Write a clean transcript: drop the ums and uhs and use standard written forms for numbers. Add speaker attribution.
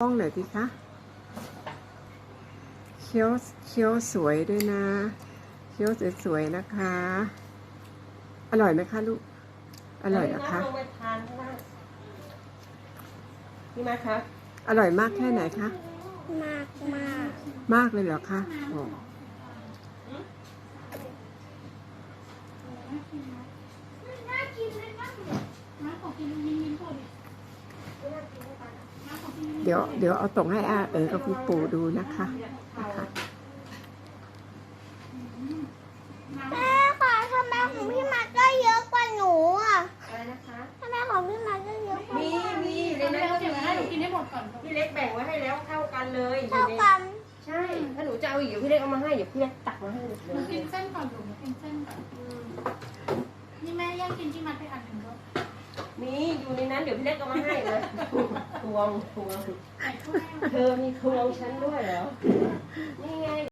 Speaker 1: ต้องหน่อยสิคะเคี้ยวสวยด้วยนะเคี้ยวสวยๆนะคะ อร่อยไหมคะลูกอร่อยนะคะ
Speaker 2: ลงไปทานข้างล่างนี่มาคะ
Speaker 1: อร่อยมากแค่ไหนคะ
Speaker 3: มาก
Speaker 1: มากเลยเหรอคะอ๋อเดี๋ยวเอาส่งให้อากับคุณปู่ดูนะคะ
Speaker 3: แม่ค่ะทำไมของพี่มาก็เยอะกว่าหนูอ่ะ
Speaker 2: อะไรนะคะ
Speaker 3: ทำไมของพี่มาก็เยอะกว่า
Speaker 2: มีในนั้นก็มีกินให้หมดก่อนพี่เล็กแบ่งไว้ให้แล้วเท่ากันเลย
Speaker 3: เท่ากัน
Speaker 2: ใช่ถ้าหนูจะเอาอีกเดี๋ยวพี่เล็กเอามาให้เดี๋ยวพี่เล็กตักมาให้เลย
Speaker 4: หนูกินเส้นก่อนหนูกินเส้นก่อนนี่แม่ย่างกินที่มัดไปอันหนึ่งด้วย
Speaker 2: มีอยู่ในนั้นเดี๋ยวพี่เล็กเอามาให้นะทวงเธอมีทวงฉันด้วยเหรอ